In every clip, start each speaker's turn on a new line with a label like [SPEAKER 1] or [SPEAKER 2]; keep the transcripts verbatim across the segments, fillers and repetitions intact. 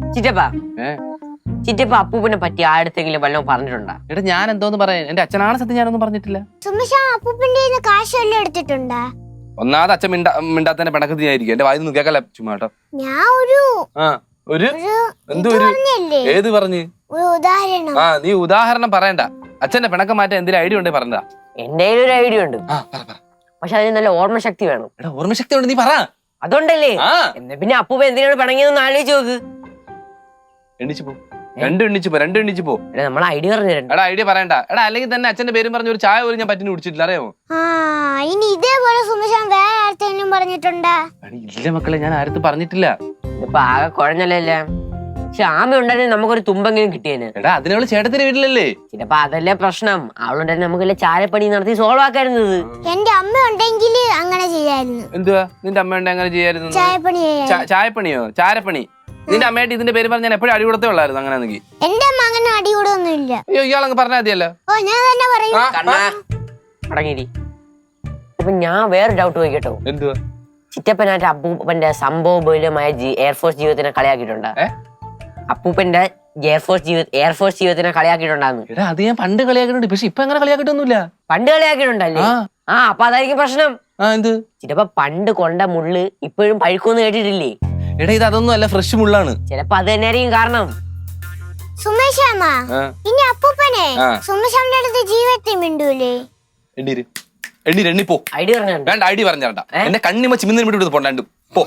[SPEAKER 1] ചിറ്റപ്പ ചിറ്റപ്പ അപ്പൂപ്പനെ പറ്റി ആയിരത്തെങ്കിലും വല്ലതും പറഞ്ഞിട്ടുണ്ടാ?
[SPEAKER 2] എടാ ഞാൻ എന്തോന്ന് പറയാൻ, എന്റെ അച്ഛനാണ് സത്യം ഞാനൊന്നും പറഞ്ഞിട്ടില്ല.
[SPEAKER 3] അപ്പൂപ്പന്റെ കാശ് വല്ലതും എടുത്തിട്ടുണ്ടാ?
[SPEAKER 2] ഒന്നാമത് അച്ഛൻ മിണ്ടാ മിണ്ടാത്തന്നെ പിണക്കത്തിനായിരിക്കും. എന്റെ വായിന്ന് കേക്കല്ല ചുമ്മാ കേട്ടോ.
[SPEAKER 3] ഞാൻ ഒരു
[SPEAKER 2] ആ ഒരു എന്തോ ഒരു ഏത് പറഞ്ഞ്
[SPEAKER 3] ഉദാഹരണം.
[SPEAKER 2] ആ നീ ഉദാഹരണം പറയണ്ട. അച്ഛന്റെ പിണക്കം മാറ്റാൻ എന്തെങ്കിലും ഐഡിയ ഉണ്ടേ പറഞ്ഞതാ.
[SPEAKER 1] എന്റെ ഒരു ഐഡിയ ഉണ്ട്, പക്ഷെ അതിന് നല്ല ഓർമ്മശക്തി വേണം.
[SPEAKER 2] എടാ ഓർമ്മശക്തി ഉണ്ട്, നീ പറ.
[SPEAKER 1] അതുകൊണ്ടല്ലേ എന്നാ പിന്നെ അപ്പൂപ്പ എന്തിനാണ് പിണങ്ങിയെന്ന് ആലോചിച്ച് നോക്ക്.
[SPEAKER 2] എണ്ണിച്ചു പോ, രണ്ടും എണ്ണിച്ചു പോ, രണ്ടും എണ്ണിച്ചു പോ.
[SPEAKER 1] നമ്മൾ ഐഡിയ പറഞ്ഞു തരണ്ട.
[SPEAKER 2] എടാ ഐഡിയ പറയണ്ട. എടാ അല്ലെങ്കിൽ തന്നെ അച്ഛന്റെ പേരും പറഞ്ഞ ഒരു ചായ പോലും ഞാൻ പറ്റിന് കുടിച്ചിട്ടില്ല, അറിയാമോ?
[SPEAKER 3] ഇനി ഇതേപോലെ സുമേഷാൻ വേറെ ആർക്കെങ്കിലും പറഞ്ഞിട്ടുണ്ടാ?
[SPEAKER 2] ഇല്ല മക്കളെ, ഞാൻ ആരത്തും പറഞ്ഞിട്ടില്ല.
[SPEAKER 1] ഇപ്പൊ ആകെ കുഴഞ്ഞല്ലേ. പക്ഷെ ആമ ഉണ്ടായിരുന്നെങ്കിൽ നമുക്കൊരു തുമ്പെങ്കിലും കിട്ടിയേനെ.
[SPEAKER 2] എടാ അതിനവള് ചേട്ടത്തിന്റെ വീട്ടിലല്ലേ.
[SPEAKER 1] ചിലപ്പോ അതല്ലേ പ്രശ്നം. അവളുണ്ടായിരുന്നു നമുക്കല്ലേ ചാരപ്പണി നടത്തി സോൾവ് ആക്കായിരുന്നത്.
[SPEAKER 3] എന്റെ അമ്മ ഉണ്ടെങ്കിൽ അങ്ങനെ ചെയ്യായിരുന്നു.
[SPEAKER 2] എന്തുവാ നിന്റെ അമ്മ ഉണ്ട് അങ്ങനെ ചെയ്യായിരുന്നു?
[SPEAKER 3] ചായപ്പണി.
[SPEAKER 2] ചായപ്പണിയോ? ചാരപ്പണി. നിന്റെ അമ്മയായിട്ട് ഇതിന്റെ പേര് പറഞ്ഞാൽ എപ്പോഴും അടി കൊടുത്തേ ഉള്ളായിരുന്നു. അങ്ങനെയാണെങ്കിൽ
[SPEAKER 3] എന്റെ അമ്മ അങ്ങനെ അടി കൂടൊന്നും ഇല്ല.
[SPEAKER 2] അയ്യോ ഇയാളങ്ങ് പറഞ്ഞാൽ മതിയല്ലോ.
[SPEAKER 3] ഓ ഞാൻ തന്നെ പറയും.
[SPEAKER 1] അടങ്ങിരി. ഇപ്പൊ ഞാൻ വേറെ ഡൗട്ട് ചോദിക്കട്ടോ.
[SPEAKER 2] എന്തുവാ?
[SPEAKER 1] ചിറ്റപ്പനായിട്ട് അപ്പൂപ്പന്റെ സംഭവബഹുലമായ എയർഫോഴ്സ് ജീവിതത്തിനെ കളിയാക്കിയിട്ടുണ്ടാ? അപ്പൂപ്പന്റെ എയർഫോഴ്സ് ജീവിത എയർഫോഴ്സ് ജീവിതത്തിനെ കളിയാക്കിയിട്ടുണ്ടാന്ന്.
[SPEAKER 2] എടാ അത് ഞാൻ പണ്ട് കളിയാക്കിയിട്ടുണ്ട്, പക്ഷെ ഇപ്പൊ അങ്ങനെ കളിയാക്കിയിട്ടൊന്നുമില്ല.
[SPEAKER 1] പണ്ട് കളിയാക്കിയിട്ടുണ്ടല്ലേ? ആ അപ്പൊ അതായിരിക്കും പ്രശ്നം.
[SPEAKER 2] ആ എന്ത്
[SPEAKER 1] ചിലപ്പോ പണ്ട് കൊണ്ട മുള്ള് ഇപ്പോഴും പഴുക്കൊന്നും കേട്ടിട്ടില്ലേ?
[SPEAKER 2] എടാ ഇത് അതൊന്നും അല്ല, ഫ്രഷ് മുള്ളാണ്.
[SPEAKER 1] ചിലപ്പോ അത് തന്നെയായിരിക്കും കാരണം.
[SPEAKER 3] സുമേഷാമ്മ ഇനി അപ്പൂപ്പനെ സുമേഷാമ്മന്റെ അടുത്ത് ജീവിതത്തിൽ മിണ്ടൂലേ?
[SPEAKER 2] എണ്ണീര് എണ്ണീര് എണ്ണിപ്പോ.
[SPEAKER 1] ഐഡിയ പറഞ്ഞു
[SPEAKER 2] വേണ്ട, ഐഡിയ പറഞ്ഞാണ്ട. എന്റെ കണ്ണിമ ചിമ്മിന്ന് വിട്ടു പോണ്ടാണ്ട് പോ.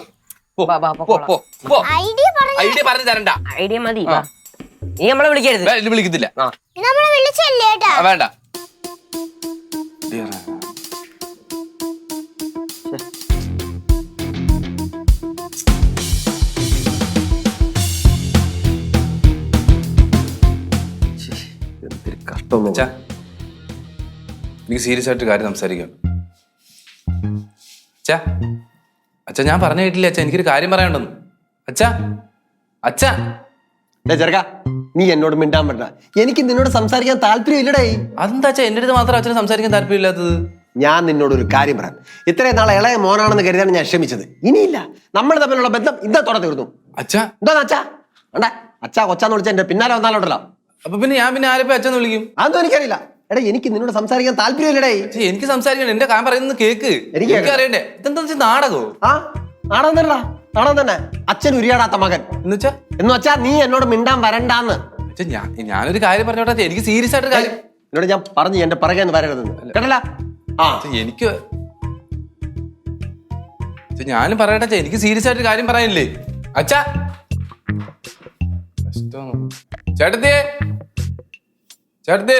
[SPEAKER 2] ഐഡിയ പറഞ്ഞു തരണ്ട.
[SPEAKER 1] ഐഡിയ മതി. നീ നമ്മളെ വിളിക്കരുത്.
[SPEAKER 2] വിളിക്കത്തില്ല.
[SPEAKER 3] നമ്മളെ വിളിച്ചല്ലേ ഏട്ടാ?
[SPEAKER 2] വേണ്ട. എനിക്ക് സീരിയസ് ആയിട്ട് കാര്യം സംസാരിക്കാം. അച്ഛാ അച്ഛാ ഞാൻ പറഞ്ഞ കേട്ടില്ല അച്ഛാ, എനിക്കൊരു കാര്യം പറയാനുണ്ടെന്ന്. അച്ഛാ അച്ഛാ
[SPEAKER 4] ചെറുക്ക നീ എന്നോട് മിണ്ടാൻ പറ്റ. എനിക്ക് നിന്നോട് സംസാരിക്കാൻ താല്പര്യം ഇല്ലടേ.
[SPEAKER 2] അതെന്താ അച്ഛാ എന്റെ അടുത്ത് മാത്രം അച്ഛന് സംസാരിക്കാൻ താല്പര്യമില്ലാത്തത്?
[SPEAKER 4] ഞാൻ നിന്നോട് ഒരു കാര്യം പറയാം. ഇത്രയും നാളെ ഇളയ മോനാണെന്ന് കരുതാണ് ഞാൻ ക്ഷമിച്ചത്. ഇനിയില്ല, നമ്മൾ തമ്മിലുള്ള ബന്ധം ഇന്നത്തോടെ തീർന്നു.
[SPEAKER 2] അച്ഛാ
[SPEAKER 4] എന്താ അച്ഛാ വേണ്ട, അച്ഛാ കൊച്ചാന്ന് വിളിച്ച എന്റെ പിന്നാലെ വന്നാലോട്ടല്ലോ.
[SPEAKER 2] അപ്പൊ പിന്നെ ഞാൻ പിന്നെ ആരെപ്പോ അച്ഛന്ന് വിളിക്കും?
[SPEAKER 4] അതൊന്നും എനിക്കറിയില്ല. എടാ എനിക്ക് നിന്നോട് സംസാരിക്കാൻ താല്പര്യമില്ലടേ.
[SPEAKER 2] എനിക്ക് സംസാരിക്കണം, എന്റെ കാര്യം പറയുന്നത് കേക്ക്. എനിക്ക് അറിയണ്ടേ ഇതെന്താ നാടകോ? ആ
[SPEAKER 4] നാടകം തന്നെ, നാടകം തന്നെ. അച്ഛൻ ഉരിയാടാത്ത മകൻ
[SPEAKER 2] എന്ന് വെച്ചാ
[SPEAKER 4] എന്ന് വെച്ചാ നീ എന്നോട് മിണ്ടാൻ വരണ്ടാന്ന്.
[SPEAKER 2] ഞാൻ ഞാനൊരു കാര്യം പറഞ്ഞോട്ടെ, എനിക്ക് സീരിയസ് ആയിട്ട് കാര്യം
[SPEAKER 4] എന്നോട് ഞാൻ പറഞ്ഞു എന്റെ പിറകെ വരരുതെന്ന് കേട്ടല്ല. ആ
[SPEAKER 2] എനിക്ക് ഞാനും പറയട്ടെ, എനിക്ക് സീരിയസ് ആയിട്ട് കാര്യം പറയാനില്ലേ അച്ഛാ. ചേട്ടത്തിയേ ചേട്ടത്തി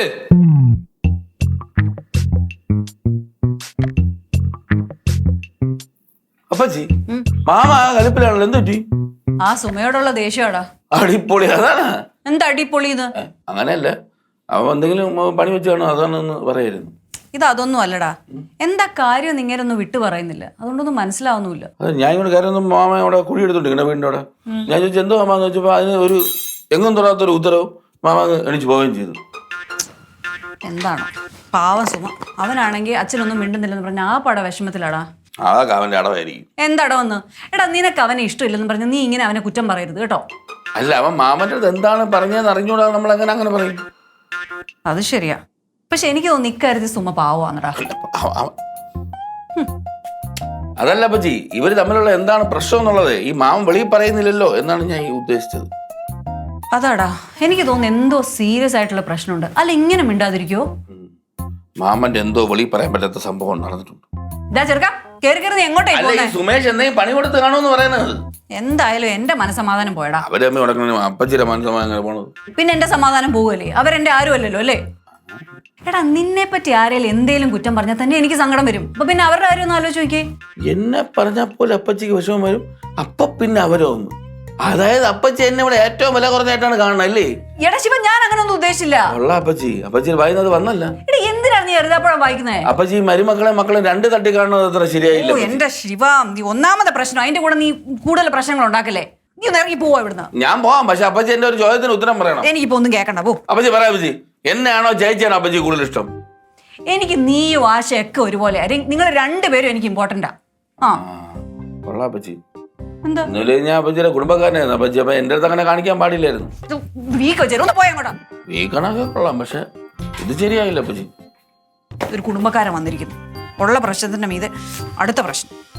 [SPEAKER 5] അപ്പച്ചി മാമ കലിപ്പിലാണല്ലോ. എന്ത് പറ്റി?
[SPEAKER 6] ആ സുമയോടുള്ള ദേഷ്യമാടാ.
[SPEAKER 5] അടിപൊളി അതാണ്.
[SPEAKER 6] എന്താ അടിപൊളി ഇത്?
[SPEAKER 5] അങ്ങനെയല്ല, അവൻ എന്തെങ്കിലും പണി വെച്ചാണോ അതാണെന്ന് പറയായിരുന്നു.
[SPEAKER 6] ഇത് അതൊന്നും അല്ലടാ. എന്താ കാര്യം ഇങ്ങനൊന്നും വിട്ടു പറയുന്നില്ല, അതുകൊണ്ടൊന്നും മനസ്സിലാവുന്നില്ല.
[SPEAKER 5] അതെ ഞാൻ ഇങ്ങനെ കാര്യം മാമ അവിടെ കുഴി എടുത്തോണ്ടിരിക്കണ വീടിൻ്റെ അവിടെ. ഞാൻ ചോദിച്ചു എന്തോ മാമാന്ന് വെച്ചപ്പോ അതിന് ഒരു എങ്ങും തൊടാത്തൊരു ഉത്തരവ് മാമ എണിച്ച് പോവുകയും ചെയ്തു.
[SPEAKER 6] എന്താണോ പാവം സുമ, അവനാണെങ്കിൽ അച്ഛനൊന്നും മിണ്ടുന്നില്ലെന്ന് പറഞ്ഞ ആ പട വിഷമത്തിലാടാ.
[SPEAKER 5] അതൊക്കെ അവന്റെ അടവായിരിക്കും.
[SPEAKER 6] എന്താടവന്ന്? എടാ നിനക്ക് അവനെ ഇഷ്ടമില്ലെന്ന് പറഞ്ഞ നീ ഇങ്ങനെ അവനെ കുറ്റം പറയരുത് കേട്ടോ.
[SPEAKER 5] അല്ല അവൻ മാമന്റെ അടുത്ത് എന്താണ് പറഞ്ഞതെന്ന് അറിഞ്ഞൂടാ നമ്മൾ എങ്ങനെ അങ്ങനെ പറയും?
[SPEAKER 6] അത് ശരിയാ, പക്ഷെ എനിക്ക് തോന്നുന്നു ഇക്കാര്യത്തിൽ സുമ പാവാന്നടാ.
[SPEAKER 5] അതല്ല അപ്പച്ചി, ഇവര് തമ്മിലുള്ള എന്താണ് പ്രശ്നം എന്നുള്ളത് ഈ മാമൻ വെളിയിൽ പറയുന്നില്ലല്ലോ എന്നാണ് ഞാൻ ഉദ്ദേശിച്ചത്.
[SPEAKER 6] അതാടാ എനിക്ക് തോന്നുന്നു എന്തോ സീരിയസ് ആയിട്ടുള്ള പ്രശ്നമുണ്ട്. അല്ല ഇങ്ങനെ മിണ്ടാതിരിക്കോ?
[SPEAKER 5] മാമന്റെ എന്തോ വെളിയിൽ പറയാൻ പറ്റാത്ത സംഭവം നടന്നിട്ടുണ്ട്. സുമേഷ് എന്തെങ്കിലും പണി കൊടുത്ത് കാണുമെന്ന് പറയുന്നത്.
[SPEAKER 6] എന്തായാലും എന്റെ മനസ്സമാധാനം പോയടാ.
[SPEAKER 5] അവരെ അമ്മ ഉടക്കണം അപ്പച്ചിയുടെ മനസ്സമാധാനം പോണത്.
[SPEAKER 6] പിന്നെ എന്റെ സമാധാനം പോവല്ലേ? അവരെന്റെ ആരും അല്ലല്ലോ അല്ലേ? എടാ നിന്നെ പറ്റി ആരെങ്കിലും എന്തേലും കുറ്റം പറഞ്ഞാൽ തന്നെ എനിക്ക് സങ്കടം വരും. അപ്പൊ പിന്നെ അവരുടെ കാര്യം ഒന്ന് ആലോചിച്ച് നോക്കിയേ.
[SPEAKER 5] എന്നെ പറഞ്ഞാൽ പോലെ അപ്പച്ചിക്ക് വിഷമം വരും, അപ്പൊ പിന്നെ അവരോ ഒന്ന്. അതായത് അപ്പച്ചി എന്നെ ഇവിടെ ഏറ്റവും വില കുറഞ്ഞായിട്ടാണ് കാണണം അല്ലേ?
[SPEAKER 6] എടാ ശിവ ഞാൻ അങ്ങനെ ഒന്നും ഉദ്ദേശിച്ചില്ല.
[SPEAKER 5] ഉള്ള അപ്പച്ചി അപ്പച്ചി വായിന്നത് വന്നല്ല.
[SPEAKER 6] എന്തിനാണ് നീ എഴുതാപ്പഴം വായിക്കുന്നേ?
[SPEAKER 5] അപ്പച്ചി മരുമക്കളെ മക്കളെ രണ്ട് തട്ടി കാണുന്നത് അത്ര ശരിയായില്ല.
[SPEAKER 6] എന്റെ ശിവ നീ ഒന്നാമത്തെ പ്രശ്നം, അതിന്റെ കൂടെ നീ കൂടുതൽ പ്രശ്നങ്ങൾ ഉണ്ടാക്കല്ലേ. നീ ഒന്ന് ഇറങ്ങി പോവാ ഇവിടുന്ന്.
[SPEAKER 5] ഞാൻ പോവാം, പക്ഷെ അപ്പച്ചി എന്റെ ഒരു ചോദ്യത്തിന് ഉത്തരം പറയണം.
[SPEAKER 6] എനിക്കിപ്പോ ഒന്നും കേൾക്കണ്ട പോ.
[SPEAKER 5] അപ്പച്ചി പറയാ അപ്പച്ചി, എന്നെയാണോ ചേച്ചിയാണോ അപ്പച്ചി കൂടുതൽ ഇഷ്ടം?
[SPEAKER 6] എനിക്ക് നീയും ആശയൊക്കെ ഒരുപോലെ. നിങ്ങൾ രണ്ടുപേരും എനിക്ക് ഇമ്പോർട്ടന്റാ. ആ
[SPEAKER 5] കൊള്ളാം അപ്പച്ചി.
[SPEAKER 6] എന്താ
[SPEAKER 5] ഇന്നലെ ഞാൻ അപ്പച്ചിയുടെ കുടുംബക്കാരനായിരുന്നു അപ്പച്ചി അപ്പൊ എന്റെ അടുത്ത് അങ്ങനെ കാണിക്കാൻ പാടില്ലായിരുന്നു.
[SPEAKER 6] വീക്ക് വെച്ചേരും ഒന്ന് പോയങ്ങോട്ടാ.
[SPEAKER 5] ഈ കണക്കൊക്കെ കൊള്ളാം, പക്ഷെ ഇത് ശരിയായില്ല അപ്പച്ചി.
[SPEAKER 6] ഒരു കുടുംബക്കാരൻ വന്നിരിക്കുന്നു, ഉള്ള പ്രശ്നത്തിന്റെ മീതെ അടുത്ത പ്രശ്നം.